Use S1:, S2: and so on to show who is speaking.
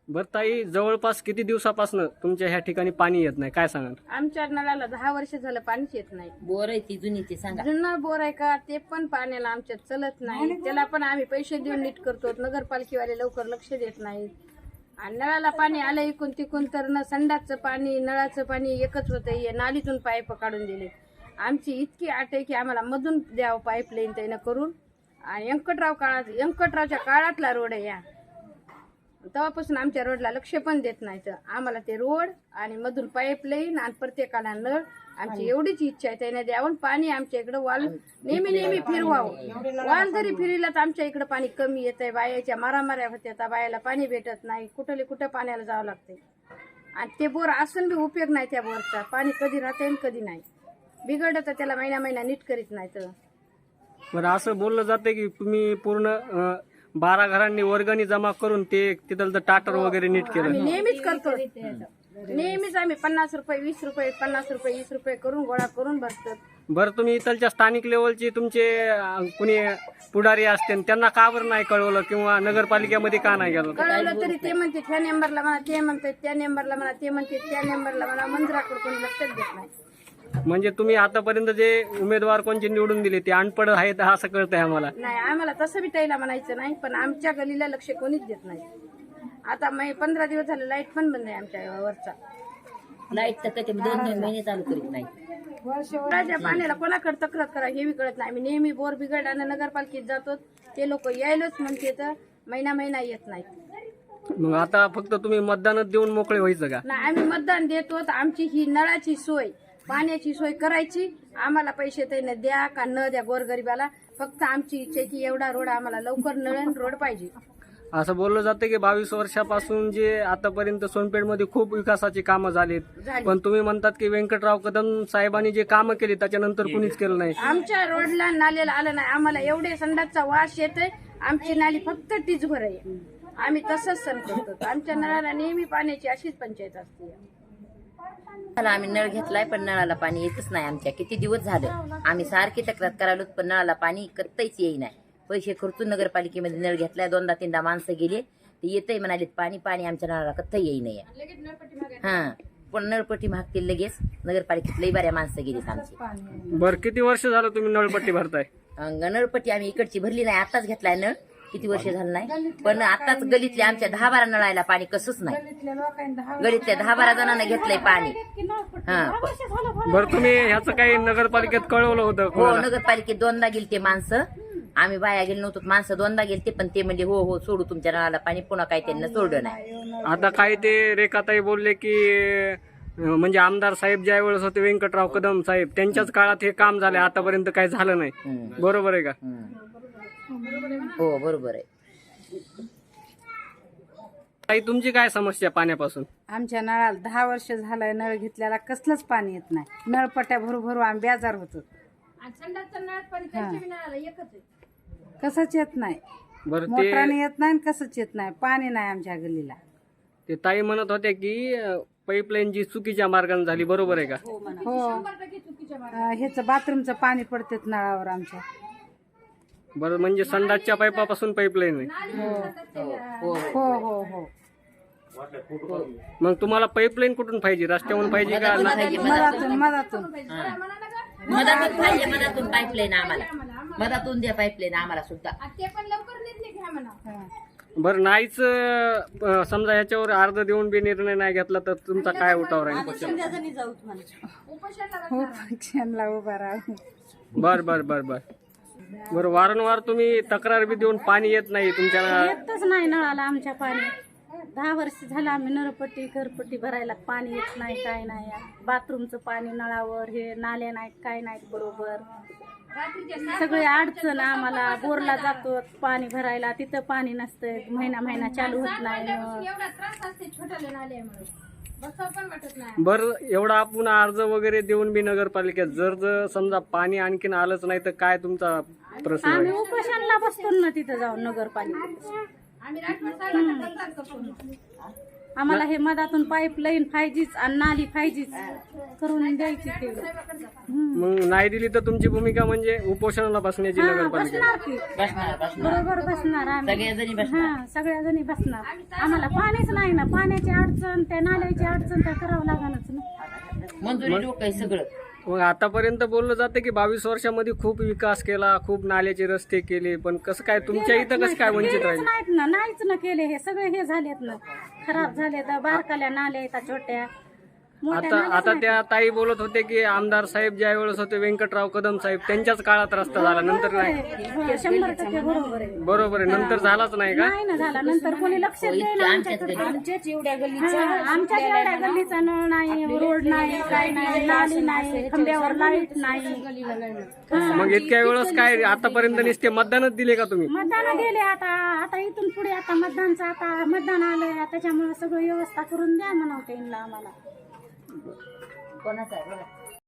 S1: बरं ताई, जवळपास किती दिवसापासून तुमच्या ह्या ठिकाणी पाणी येत नाही, काय सांगाल?
S2: आमच्या नळाला 10 वर्ष झालं पाणीच येत नाही.
S3: बोर आहे ती जुनी, ते सांगा.
S2: जुनं बोर आहे का ते पण पाण्याला आमच्यात चलत नाही. त्याला पण आम्ही पैसे देऊन नीट करतो. नगरपालिकेवाले लवकर लक्ष देत नाहीत. आणि नळाला पाणी आलं इकून तिकून तर न संडासचं पाणी नळाचं पाणी एकच होतं. नालीतून पाईप काढून दिले. आमची इतकी आट आहे की आम्हाला मधून द्यावं पाईपलाईन त्यानं करून. आणि व्यंकटरावच्या काळातला रोड आहे या. तेव्हापासून आमच्या रोडला लक्ष पण देत नाहीत. आम्हाला ते रोड आणि मधून पाईपलाईन आणि प्रत्येकाला नळ आमची एवढीच इच्छा आहे. त्याने द्यावं पाणी आमच्या इकडे वाल नेहमी फिरवावं. वाल जरी फिरला तर आमच्या इकडे पाणी कमी येत आहे. बायाच्या मारामाऱ्या होत्या. बायाला पाणी भेटत नाही. कुठं पाण्याला जावं लागतंय. आणि ते बोर असून बी उपयोग नाही त्या बोरचा. पाणी कधी राहते कधी नाही. बिघडलं तर त्याला महिना नीट करीत नाही. तर
S1: बरं, असं बोललं जाते की तुम्ही पूर्ण 12 घरांनी वर्गणी जमा करून ते तिथलं टाटर वगैरे नीट केलं.
S2: आम्ही नेहमीच करतो. नेहमीच आम्ही 50 रुपये 20 रुपये 50 रुपये 20 रुपये करून गोळा करून भरतो.
S1: बरं, तुम्ही इथलच्या स्थानिक लेवलचे तुमचे कुणी पुढारी असते त्यांना का बरं नाही कळवलं किंवा नगरपालिकेमध्ये का नाही गेलं?
S2: कळवलं तरी ते म्हणते ह्या नंबरला म्हणा, ते म्हणतात त्या नंबरला म्हणा, ते म्हणते त्या नंबरला म्हणा. मंजुराकडे कोणी लक्षच देत नाही.
S1: म्हणजे तुम्ही आतापर्यंत जे उमेदवार कोणचे निवडून दिले ते अनपढ आहेत असं कळतंय आम्हाला.
S2: नाही, आम्हाला तसं बी त्याला म्हणायचं नाही. पण आमच्या गलीला लक्ष कोणीच देत नाही. आता 15 दिवस झाले लाईट पण बंद आहे आमच्या वरचा.
S3: लाईट तर कधी 2-2 महिने चालू करीत नाही.
S2: त्या पाण्याला कोणाकडे तक्रार करा हे बी कळत नाही. आम्ही नेहमी बोर बिघडल्यानं नगरपालिकेत जातो. ते लोक यायलाच म्हणते तर महिना येत नाहीत.
S1: मग आता फक्त तुम्ही मतदानच देऊन मोकळे व्हायचं का?
S2: नाही, आम्ही मतदान देतो. आमची ही नळाची सोय पाण्याची सोय करायची. आम्हाला पैसे त्याने द्या का न द्या गोरगरिबाला. फक्त आमची इच्छा आहे की एवढा रोड आम्हाला लवकर नळण रोड पाहिजे.
S1: असं बोललं जातं की 22 वर्षापासून जे आतापर्यंत सोनपेठमध्ये खूप विकासाची कामं झालीत. पण तुम्ही म्हणतात की व्यंकटराव कदम साहेबांनी जे कामं केली त्याच्यानंतर कुणीच केलं नाही.
S2: आमच्या रोडला नाल्याला आलं नाही. आम्हाला एवढे संडासचा वास येतोय. आमची नाली फक्त टीचभर आहे. आम्ही तसंच सण करतो. आमच्या नळाला नेहमी पाण्याची अशीच पंचायत असते.
S3: आम्ही नळ घेतलाय पण नळाला पाणी येतच नाही. आमच्या किती दिवस झालं आम्ही सारखी तक्रार करायलो पण नळाला पाणी करताच येई नाही. पैसे खर्चून नगरपालिकेमध्ये नळ घेतलाय. 2दा-3दा माणसं गेले ते येतंय म्हणाले पाणी आमच्या नळाला कत्ता येई नाही. हा, पण नळपट्टी मागतील लगेच. नगरपालिकेत लई बऱ्या माणसं गेलीत आमची.
S1: बरं, किती वर्ष झालं तुम्ही नळपट्टी भरताय?
S3: नळपट्टी आम्ही इकडची भरली नाही. आताच घेतलाय नळ. किती वर्ष झालं नाही. पण आताच गलीतल्या आमच्या 10-12 नळायला पाणी कसंच नाही. गलीतल्या 10-12 जणांना घेतलंय पाणी. हा,
S1: बरं, तुम्ही ह्याचं काही नगरपालिकेत कळवलं होतं?
S3: हो, नगरपालिकेत 2दा गेलते माणसं. आम्ही बाया गेलो नव्हतो. माणसं 2दा गेलते पण ते म्हणजे हो सोडू तुमच्या नळाला पाणी. पुन्हा काही त्यांना सोडलं नाही.
S1: आता काय ते रेखाताई बोलले की म्हणजे आमदार साहेब ज्या वेळेस होते व्यंकटराव कदम साहेब त्यांच्याच काळात हे काम झाले. आतापर्यंत काही झालं नाही. बरोबर आहे का?
S3: हो, बरोबर आहे.
S1: ताई, तुमची काय समस्या पाण्यापासून?
S4: आमच्या नळाला 10 वर्ष झालंय नळ घेतल्याला कसलंच पाणी येत नाही. नळपट्ट्या भरू आम्ही बेजार होतो. कसंच येत नाही.
S1: बरं,
S4: मोटराने येत नाही कसंच येत नाही. पाणी नाही आमच्या गलीला.
S1: ते ताई म्हणत होत्या की पाईपलाईन जी चुकीच्या मार्गाने झाली. बरोबर आहे का?
S4: हो, ह्याचं बाथरूमचं पाणी पडते नळावर आमच्या.
S1: बरं, म्हणजे संडासच्या पाईपापासून पाईपलाईन आहे.
S4: हो हो हो हो.
S1: मग तुम्हाला पाईपलाईन कुठून पाहिजे? रस्त्यावरून पाहिजे का?
S4: मधातून
S3: मधातून पाहिजे. मधातून पाईपलाईन आम्हाला. मधातून द्या पाईपलाईन आम्हाला सुद्धा.
S1: बरं, नाहीच समजा ह्याच्यावर अर्ज देऊन बी निर्णय नाही घेतला तर तुमचा काय उठाव राहील?
S4: उपोषणला उभा राहू.
S1: बरं, वारंवार तुम्ही तक्रार बी देऊन पाणी येत नाही तुमच्या?
S5: येतच नाही नळाला आमच्या पाणी. 10 वर्ष झालं आम्ही नळपट्टी घरपट्टी भरायला पाणी येत नाही. काय नाही. बाथरूमचं पाणी नळावर हे नाले नाहीत काय नाहीत बरोबर. सगळे अडचण आम्हाला. बोरला जातो पाणी भरायला तिथं पाणी नसतं. महिना चालू होत नाही.
S1: बरं, एवढा आपण अर्ज वगैरे देऊन बी नगरपालिकेत जर समजा पाणी आणखीन आलंच नाही तर काय तुमचा प्रश्न?
S5: आम्ही उपोषणला बसतो ना तिथं जाऊन नगरपालिकेत. आम्हाला हे मधातून पाईपलाईन पाहिजेच आणि नाली पाहिजेच करून द्यायची ते.
S1: मग नाही दिली तर तुमची भूमिका म्हणजे उपोषणाला बसण्याची
S5: हा,
S1: नगरपालिका.
S5: बसणार की बरोबर बसणार आम्ही.
S3: सगळ्याजणी बसणार.
S5: हा, सगळ्याजणी बसणार. आम्हाला पाणीच नाही ना, पाण्याची अडचण, त्या नाल्याची अडचण तर करावं लागणारच ना.
S3: मंजुरी डोकं सगळं.
S1: मग आतापर्यंत बोललं जातं की 22 वर्षामध्ये खूप विकास केला, खूप नाल्याचे रस्ते केले, पण कसं काय तुमच्या इथं कसं काय वंचित
S5: केलेच
S1: राहील?
S5: नाहीत ना, नाहीच ना केले. हे सगळे हे झालेत ना, खराब झाले. तर बारकाल्या नाल्या येतात छोट्या मोठ्या
S1: आता
S5: नाल्याच
S1: आता
S5: नाहीत.
S1: त्या ताई बोलत होते की आमदार साहेब ज्या वेळेस होते व्यंकटराव कदम साहेब त्यांच्याच काळात रस्ता झाला, नंतर नाही.
S5: हो, 100% बरोबर आहे.
S1: बरोबर आहे, नंतर झालाच नाही का?
S5: नाही ना झाला, नंतर कोणी लक्ष द्यायला आमच्याकडे.
S2: आमच्याच एवढ्या
S5: आमच्या एवढ्या गल्लीचा नळ नाही, रोड नाही, काय नाही, नाली नाही, खंब्यावर लाईट नाही.
S1: मग इतक्या वेळेस काय आतापर्यंत नुसते मतदानच दिले का तुम्ही?
S5: मतदान गेले. आता आता इथून पुढे आता मतदानचं आता मतदान आलंय, त्याच्यामुळे सगळं व्यवस्था करून द्या म्हणावं त्यांना आम्हाला.
S3: कोणाचा आहे बघा.